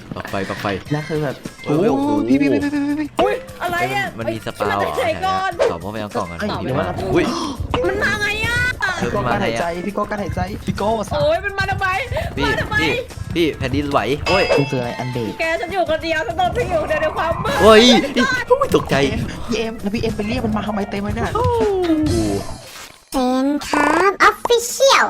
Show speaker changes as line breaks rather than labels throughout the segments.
ปักไฟปักไฟ
แล้วคือแบบ
โอ้โห
พี่
อุ้ยอะไรอ่ะ
มันมีสปา
ฉัน
เหร
มา
อ
จากไหนก่อน
ตอบว่าไปเอากล่องกัน
เดี๋
พี่
ยว
มา
ว่า
อุ้ย
มันมาไงอ่ะ
เธอ
พี่โก้
มา
การ
ไหน
หายใจ
อะ
พี่โก้การหายใจพี่โก้สา
โอ้ยมันมาทำไม
พี่
มาทำไม
พี่แผ่นดินไหวโอ้ย
มันคืออะไรอันเดก
แกฉันอยู่คนเดียวฉันโดนทิ้งอยู่ในความมืด
โอ้ยตกใจ
พี่เอ็มแล้วพี่เอ็มไปเรียกมันมาทำไมเต็มเลยเนี่ย
เป็นครับออฟฟิเชียล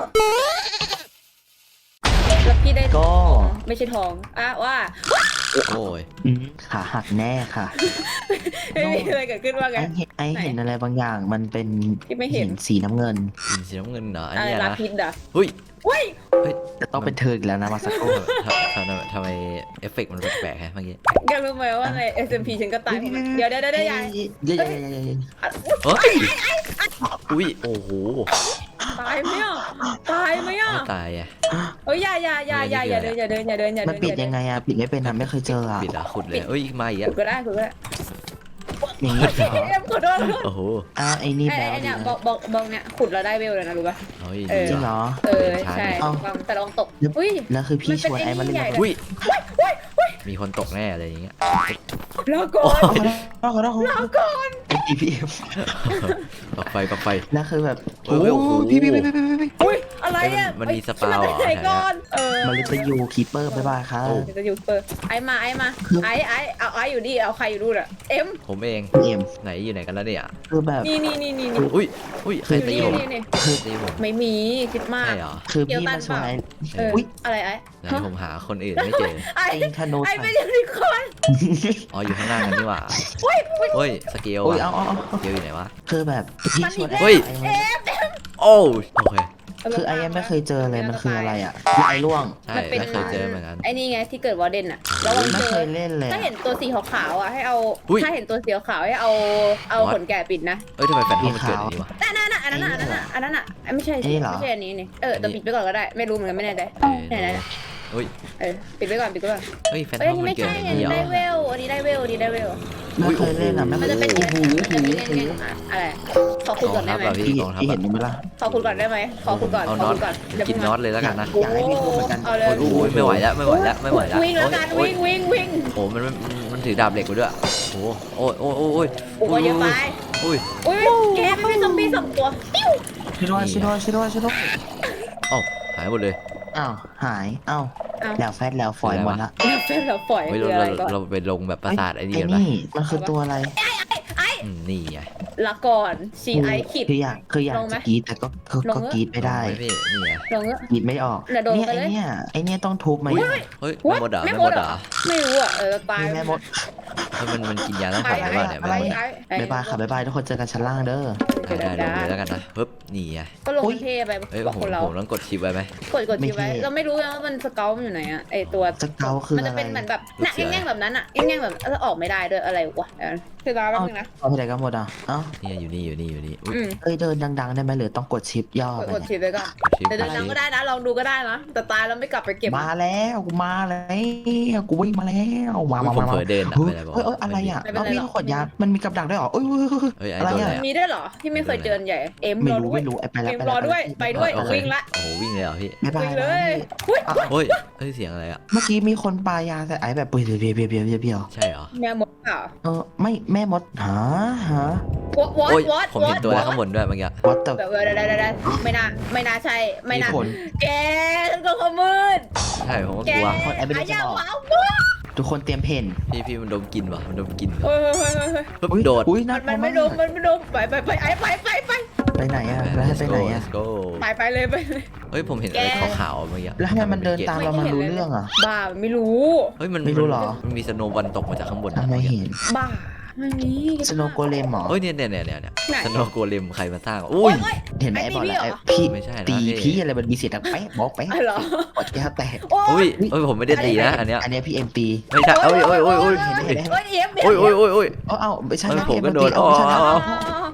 แล้วพี่ได้
ก็
ไม่ใช่ทองอ่ะว่า
โอ้ย
ขาหักแน่ค่ะ
ไม่มีอะไรเกิดขึ้นว่าไง
ไอเห็นอะไรบางอย่างมันเป็น
พี่ไม่เห็น
สีน้ำเงิน
สีน้ำเงินเหรออัน
อะไร
เนี้ย
ลา
นะ
พิษอ่ะ
หุ้ย
อุ้ย
จะต้องเป็นเธออีกแล้วนะมาสักครู่
ทำไมเอฟเฟกต์มันแปลกๆฮะเมื่อกี้
แกรู้ไหมว่าใน SMP ฉันก็ตายเพราะมันเดี๋ยวอย่า
เดี๋ยว
เฮ้ยอุ้ยโอ้โห
ตายไหมอ่ะตายไหมอ่ะ
ไม่ตายอ่ะ
เฮ้ยอย่าเดินอย่าเดิน
มันปิดยังไงอะปิดไม่เป็นอะไม่เคยเจออะ
ปิดอ่ะขุดเลยเอ้ยมาอีก
ขุ
อ่ะ
ดก็ได้ขุดก็ได้
อย่างนี้เหรอ
เอ็มขอโทษ
โอ้โห
ไอ้นี่
ไอ้
แบล
ไอ้
ดี
เนี่ย
นะ
บอกเนี่ยขุดเราได้เวลเลยนะรู้ป่ะ
เฮ้ย
เอ
ดี
อ
จริงเหรอ
ใช่
เอ้า
แต่ลองตกอุ้ย
แล้วคือพี่ชวนไอ้มาเล่น
มันเป็นไอ้นี่ใหญ่
อุ้ยมีคนตกแน่อะไรอย่างเงี้ย
แล้วก่อน
ขอโทษ
แล้วก่อน
ไอ้พีเอ็ม
ปักไฟปักไฟ
แล้วคือแบบ
โอ้โห
พี่
อุ้ยอะไรอ่ะ
มันมีส
ฉัน
ปา
มา
เหร
จาก
อ
ไหนก่อน
มาลิตยูคีเปอร์บ๊ายบายค่ะ
จะอยู่เปิดไอ้มาไอ้เอาไอ้อยู่ดิเอาใครอยู่ดูน่ะเอ็ม
ผมเอง
เอ็ม
ไหนอยู่ไหนกันแล้วเนี่ย
คือแบบ
นี่
อุ้ยใครตีผม
นี่
ตีผม
ไม่มีคิดมาก
ใช่เหรอ
คือพี่มาชวนไอ้ อุ๊ย
อะไรไอ้
ไหนผมหาคนอื่นไม่เจอ
ไอ้
ไอ้คาโน
ไอ้
ใส่
ไม่ใช่นิคอน
อ๋ออยู่ข้างล่างกันนี่หว่า
อุ้ย
เฮ้ยสเกล
โอ้ย
อะ
เอา
สเกลอยู่ไหนวะ
คือแบบพี่ชวน
เฮ้ย
ไอ้
โอ้โอเค
คือไอ้ยังไม่เคยเจอเลยมันคืออะไรอ่ะไอ้ล่วง
ใช่ไม่เคยเจอเหมือนกัน
ไอ้นี่ไงที่เกิดวอร์เดนอะแล้วมัน
ไม่
เจ
เค
อย
เล่นเลย
ถ้าเห็นตัวสีขาวๆอ่ะให้เอา
อุ๊ย
ถ้าเห็นตัวสีขาวๆให้เอาขนแกะปิดนะ
เอ้ยทำไมแฟนทอมมันเกิดอย่างนี้วะ
นั่นอันนั้นอ่ะไม่ใช่สิไม่ใช่อันนี้นี่แต่ปิดไปก่อนก็ได้ไม่รู้เหมือนกันไม่แน่ใจ ไหน
อุ้ย
ปิดไว้ก่อน
เฮ้ยแฟนท
เอ้ย
อม
นี่
มัน
ไม่
เกิด
ใช่
อย่าง
อัน
นี้
นี้
เหรอ
ได้เวลอันนี้ได้เวลอันนี้ได้เวล
ไม่เคยเล่นอ่ะไม่
มัน
เค
จะ
ย
เป็น
โอ้โห
อะไรขอ
ก
คุณ
อง
ก่อน
ทั
ได้
พ
ไหม
แบบพี่
พี่
กองทัพ
พี่
แบ
เห็
บ
นไหมล่ะ
ขอคุณก่อนได้ไหมขอคุณก่อน
เอา
ขอ
น็อต
คุณก่อน
กินน็อตเลยแล้วกันนะ
อยากให้พี่พูดเหมือนกัน
เอาเลย
โอ้ยไม่ไหวแล้วไม่ไหวแล้วไม่ไหวแล้ว
วิ่งแล้วกันวิ่ง
โอ้มันถือดาบเหล็กไปด้วยโอ้โอ้โอ้โอ้โอ้ย
โอ้ยเยอะไป
อุ้ย
อุ้ยแกไม่เป็นซอมบี้2 ตัวปิ้ว
ช่วยด้วย
เอ้าหายหมดเลย
อ้าวหายอ้าวแล้วแฟดแล้วฝอยหมดละ
แล้วเป็นเราปล่อย
เฮ้ย
คืออะไรก่อน
เราไปลงแบบปราสาทไอ้นี่
ไอ้
กันปะ
นี่มันคือตัวอะไร
นี่ไง
ละก่อนซีไอขีด
คืออยากจะกรีดแต่ก็กรีดไม่ได้
พี่นี่ไง
ลงเงอะ
กรีดไม่ออก
เดี๋ยวโดน
เนี่ย
ไปเลย
ไอเนี่ยต้องทุบไหม
เฮ้ยไม่หมดเหรอไม่หมดเหรอ
ไม่รู้อ่ะตาย
แม่มด
เฮ้ยมันกินยาตั้งแต่ไหนวะเนี่ย
อะไร
ไม่หมด
บ๊ายบายค่ะบ๊ายบายทุกคนเจอกันชั้นล่างเด้อ
ได้ลงเลยแล้วกันนะปึ๊บนี่ไง
ก็ลงเทไป
เฮ้ย
บอก
ผม
คนเรา
ต้องกดชิปไว้ไหม
กดชิปไว้เราไม่รู้นะว่ามันสเกลมันอยู่ไหนอ่ะไอตัว
สเกลคือ
มัน
อะ
จะ
ไร
เป็นเหมือนแบบหนักแง่งๆแบบนั้นอ่ะแง่งๆแบบแล้วออกไม่ได้ด้วยอะไรวะคือร้านแป๊บนึงนะ
เอาไปไหนกันหมดอ่ะเอ้า
นี่อยู่นี่อุ้ย
เอ้ยเดินดังๆได้ไหมหรือต้องกดชิปย่อไป
กดชิปไว้ก่อน
ชิป
เดี๋ยวดังก็ได้นะลองดูก็ได้นะแต่ตายแล้วไม่กลับไปเก็บ
มาแล้วกูวิ่งมาแล้วมา
ผมเผลอเดินอะ
เฮ้
ไม่
ย
ได้บอก
อะไรอ่ะเราวิ่งขดยามันมีกับดักด้วยหรอเอ้ย
เฮ้ยไอ้
อะไร
โดน
อ่ะ
แล้ว
มีด้วยเหรอที่ไม่เคยเจอใหญ่เอ็ม
ไม่
รอ
รู้
ด้วย
ไม่รู้ไปแล้ว
เอ็มรอด้วยไปด้วยวิ่งละ
โอ้โหวิ่งเลยเหรอพี่
บ๊ายบาย
วิ่งเลยอุ้ย
เฮ้ยเฮ้ยเสียงอะไรอ่ะ
เมื่อกี้มีคนปายาใส่ไอ้แบบเปรี้ยว
ใช่เหรอ
แมวหมดเปล่า
ไม่แม่มดหา
วอด
โอ้ยผมเห็นตัวอะไรข้างบนด้วยเมื่อกี้
วัดแต่
แบบได้ไม่น่าใช่ไม่น่า
ผล
แกฉันก็ขมืด
ใช่ผมก็
แก
กลัว
คนไอ้ไม่ได้จะ
อย่า
บอก
ว้าว
ทุกคนเตรียมเพน
พี่มันดมกลิ่นวะมันดมกลิ่น
เฮ้ย
ปึ๊บโดด
อุ้ยน่า
มันไม่โดนไป
ไปไหนอ่ะแล้วให้ไปไหนอ่ะ
Let's go
ไปเลย
เฮ้ยผมเห็นอะไรขาวๆเมื่อกี้
แล้วทำไมมันเดินตามเรามันรู้เรื่องอ่ะ
บ้าไม่รู้
เฮ้ยมัน
ไม่รู้หรอ
มันมีสโนว์บอลตกมาจากข้างบน
ทำไมเห็น
บ้าไม่มี
สโนโกเลมหรอ
เฮ้ยเนี่ยสโนว์โกเลมใครมาสร้างอุ้
โอ้
ย
ย
เห็นไหมไอ้บอกแล้ว
ไอ้
พี่
ไม่ใช่นะ
ตี
พี่
พี่อะไรมันมีเสียงดังแป๊ะบอกแป๊ะ
เหรอ
กดแก้วแตก
โอ้
อุ้
ย
ยเฮ้ยผมไม่ได้ตีนะอันเนี้ย
อันนี้พี่เอ็มตี
ไม่ใช่เอ้ย
เอ็ม
โอ้ย
เดี๋ยว
เอ้าไม่ใช่
เฮ้ย
นะ
ผม
เอ็ม
ก็โดน
ตี
โอ้
เอาไม่ใช่
เฮ้ย
นะ
ผมก็โดน
เอาไม่ใช่นะ
อ๋อ
เอ้า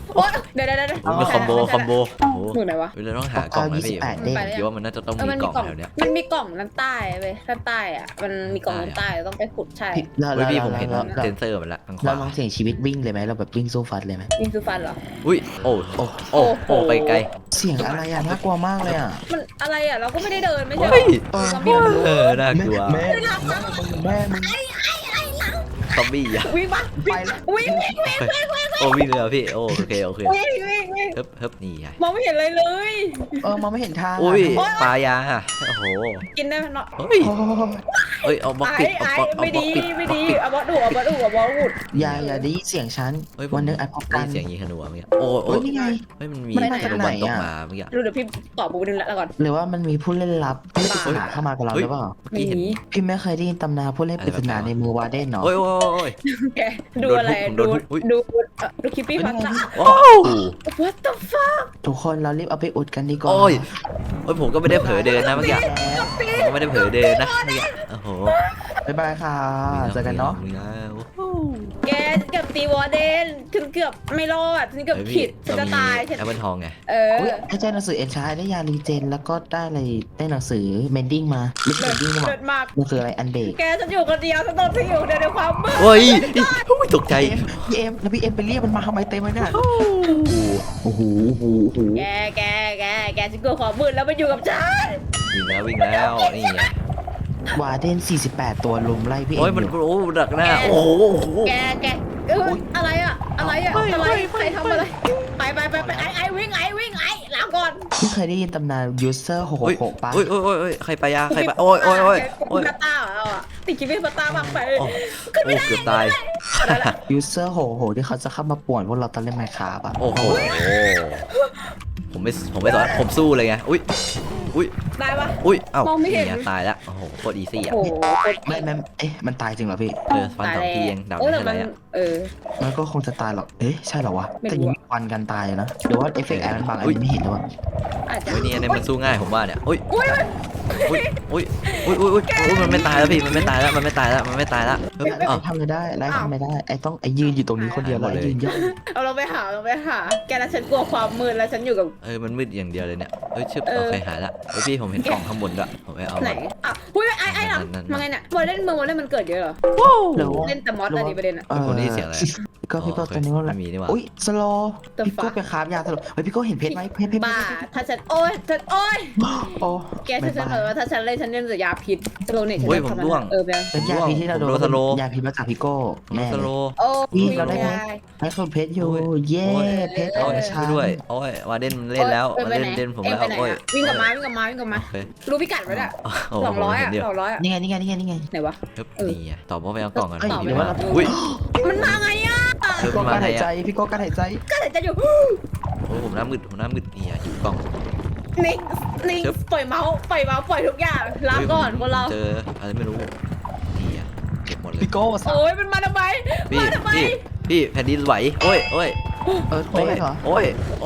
โอ๊ยเดี๋ยว
โอ้ยมันคอมโบโอ้โห
หมุนไหนวะ
เราต้องหากล่องนะพี่
29 เด้ง
คิดว่ามันน่าจะต้อง
เออ
มี
มัน
ก
มี
ล่อง
กล่อง
แถวเนี้ย
มันมีกล่องด้านใต้เว้ยด้านใต้อ่ะมันมีกล่องด้านใต้ต้องไปขุดใช่
แล้ว
เฮ้ยพี่ผมเห็น
แล้ว
เซนเซอร์มันละทางข
เรา
วา
ลองเสี่ยงชีวิตวิ่งเลยไหมเราแบบวิ่งสู้ฟัดเลยไหม
ยิงซูฟันเหรอ
อุ้ยโอ้โอ้ไปไกล
เสียงอะไรอ่ะน่ากลัวมากเลยอ่ะ
มันอะไรอ่ะเราก็ไม่ได้เดินไม่ใช่เหร
เฮ้ย
อซอมบี้มันรู้
น่ากลัว
แม่มึง
ซอมบี้อ่ะ
วิ่งปะ
ไปแล้ว
วิ่ง
โอ้วิ่งเลยเหรอพี่โอเค
วิ่ง
เฮิบนี่ไง
มองไม่เห็นอะไรเลย
มองไม่เห็นทาง
อุ้ยปลายาโอ้โห
กินได้ไหมเนาะ
เฮ้ย
โอ้โห
เฮ้ยเอาบล็อกปิด
ไอ้
เอาบล็อก
ไม่ดี
ปิด
ไม่ดีเอาบอสดูเอาบอสดูวุด
อย่าได้ยินเสียงฉัน
เฮ้ย
วันหนึงอัดพบ
ได้
กัน
เสียงยิงธนูเมื่อกี้โอ้
เฮ้ยนี่ไง
เฮ้ยมันมี
มันมา
ธ
จาก
นู
ไหน
บอลตก
อะ
มาเมื่อกี้
ดูเดี๋ยวพี่ตอบปูนึงละก่อน
หรือว่ามันมีผู้เล่นลับผู้เล่นปริศนาเข้ามากับเราหรือเปล่า
เมื่อกี้เห็น
หนี
พี่ไม่เคยได้ยินตำนานผู้เล่นปริศนาในมือวาเดนเนาะ
โอ้ย
แกดูอะไร
ผมโด
ดู
นทุบ
ดูคลิปปี้พันธ์
ว้าว
What the fuck
ทุกคนเรารีบเอาไปอุดกันดีกว่า
โอ้ยผมก็ไม่ได้เผลอเดินนะเมื่อกี้ผมก็ไม่ได้เผลอเดินนะเมื่อกี้โอ้โห
บ๊ายบายค่ะเจอกันเนาะ
แกเกือบตีวอร์เดนฉันเกือบไม่รอดฉันเกือบผิดฉันจะตายฉัน
แอปเปิลทองไง
อุ๊ยให้เจ้าหนังสือเอ็นชายได้ยารีเจนแล้วก็ได้อะไรได้หนังสือเมนดิ้งมาไม่ใช่เมนดิ้งมา
เกิดมาก
มันคืออะไรอันเบรก
แกฉันอยู่คนเดียวฉันต้องที่อยู่ในความมืด
โอ้ยตกใจ
พี่เอ็มแล้วพี่เอ็มไปเรียกมันมาทำไมเต็มเลยเนี่ยโอ้โหโอ้โหโอ้โห
แกฉันกลัวความมืดแล้วมาอยู่กับฉัน
วิ่งแล้วนี่ไง
วาเดน48 ตัวลุมไล่พี่เอ็
โอ้ย
ม
มัน
อยู่
โอ้ดักหน้าโอ้โห
แกอะไรอะอะไรใครทำอะไรไปไอวิ่งลาก่อน
พี่เคยได้ยินตำนานยูเซอร์666ป่ะ
โอ้ยใครไปยาใครไปโอ้ย
พาต้าเราอะติดคลิปพาต้ามากไป
โอ้เกือบตาย
ยูเซอร์666ที่เขาจะเข้ามาป่วนพวกเราตอนเล่นไมค์คราฟอ่ะ
โอ้โหผมไม่สอนผมสู้เลยไงอุ้ย
ได้ปะ
เอ้าเนี่ยตายแล้วโอ้โหโคตรอีซี่อ่ะ
โอ้โห
ไม่เอ๊ะมันตายจริงเหรอพี่
ฟันสองทีเองดาว
แต่
ไม่
มั
ใช่
น
ไรอ่ะ
มันก็คงจะตายหรอกเอ๊ะใช่เหรอวะ
ไม่รู้
แต่ยังมีควันกันตายนะหรือว่าเอฟเฟกต์แอร์มันบางอันนี้ไม่เห็นหรือวะ
อาจจะ
เฮ้ยนี่มันสู้ง่ายผมว่าเนี่ยอุ้ย
อุ้ย
มันไม่ตายแล้วพี่มันไม่ตายแล้วมันไม่ตายแล้วอ้าว
ทำอะไรได้ไล่ทำอะไรได้ไอ้ต้องไอ้ยืนอยู่ตรงนี้คนเดียวแล้วไอ้ยืนย่อง
เอาเราไปหาแกแล้วฉันกลัวความมืดแล้วฉันอยู่กับ
มันมืดอย่างเดียวเลยเนี่ยชึบโอเคหายละพี่ผมเห็นกล่องข้างบนด้วยผมไปเอา
ไหนอ่ะอุ้ยไอ้หลังมาไงเนี่ยบอลเล่นมันเกิดเยอะเหรอ
หรือว่า
เล่นแต่มอสอะไรประเด็นอะ
คนนี้เสียงอะไร
ก็พี่ก็ตอนนี้ว่า
ไม่มีนี่หว่า
อุ้ยสโล
The
พี่ก็
fuck
ไปคราฟยาสโลเฮ้ยพี่ก็เห็นเพชรไหมเพชร
บ้าถ้าฉันโอ้ย
โอ้
แกฉันเสนอว่าถ้าฉันเล่นแต่ยาพิษสโลเนี่ยฉัน
ผมร่วง
ไป
เป็นยาพิษที่เราโดนยาพิษมาจากพี่โก้แน่
สโล
โอ้
พี่เราได้ไหมให้คนเพชรอยู่เย้เพชร
โอ้ย
ชา
ด้วยโอ้ยวาเดนเล่นแล้วมาเล่นผมแล้วโอ้ย
วิ่งกลับมารู้พิกัดไว้ด้วย200
เดียว
200
นี่ไง
ไหนวะ
นี่ตอบว่าไปเอากล่องกัน
หรือว่าเรา
อุ้ย
มันมาไงอ่ะ
พี่โก้การหายใจพี่โก้การหายใจ
ก็เลยจะอยู่
โอ้ผมหน้ามืดนี่อยู่กล่อง
นิ่งปล่อยเมาส์ปล่อยทุกอย่างลาก่อนคนเรา
เจออะไรไม่รู้นี่เก็บหมดเลย
พี่โก้สับ
โอ้ยมันมาทำไม
พี่แผ่นดินไหวโอ้ย
ไม่เหรอ
โอ้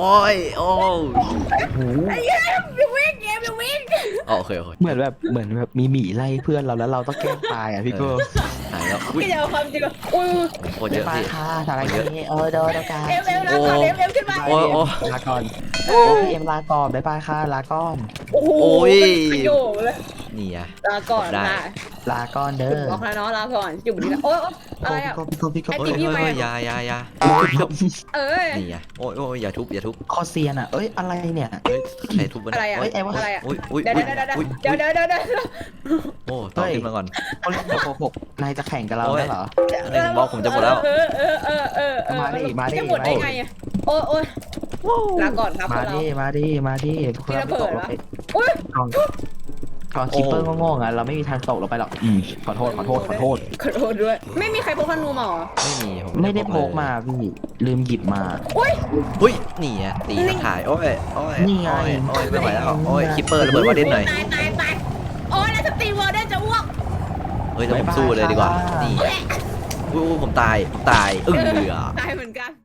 ไอ้เหี้ยอย่าวิ่ง
โอเค
เหมือนแบบมีหมีไล่เพื่อนเราแล้วเราต้องแกล้งตายอ่ะพี่โก้
หายแล้วอุ้ย
แกจะเอาความจริงเหรออุ้ย
โคตรเยอะ
ไป
พี่
ค่ะทำอะไรนี้โดนกัน
เอ็มลาก่อนเอ็มขึ้นมา
โอ้
ลาก่อนพี่เอ็มลาก่อนบ๊ายบายค่ะลาก่อน
โอ้โหประโยชน์เลย
นี่
ลาก่อนนะ
ลาก่อนเด้อ
บอกแล้วเนาะลาก่อนอยู่บนนี้นะโอ้ยอะไรอ่ะ
พี่โก้
โอ้ยยา
เอ้ย
นี่โอ้ยอย่าทุบ
คอเซียนอ่ะเอ้ยอะไรเนี่ย
เฮ้ยใครทุบมัน
อะไรอ่ะอะไรอ่ะ
อุ้ย
เดี๋ยว
โอ้ต่อขึ้นมาก่อน
เขาเล่นแบบ6นายจะแข่งกับเราได้เหรอ
บล็อกผมจะหมดแล้ว
จะหมดได้ไงอ่ะโอ้ยลาก่อนครับ
มาดิ
พี่ระเบิดวะ
กองคิปเปอร์งงๆอ่ะเราไม่มีทางตกลงไปหรอกขอโทษ
ด้วยไม่มีใครพกธนูมาหรอ
ไม่มีผม
ไม่ได้พกมาพี่ลืมหยิบมา
อุ้ยนี่ตีถ่ายโอ้ยไม่ไหวแล้วโอ้ยคิปเปอร์ระเบิดวาเด่นหน่อย
ตายโอ้ยแล้วจะตีวอลได้จะอ้วก
เฮ้ยแต่ผมสู้เลยดีกว่านี่ผมตาย
ตายเหมือนกัน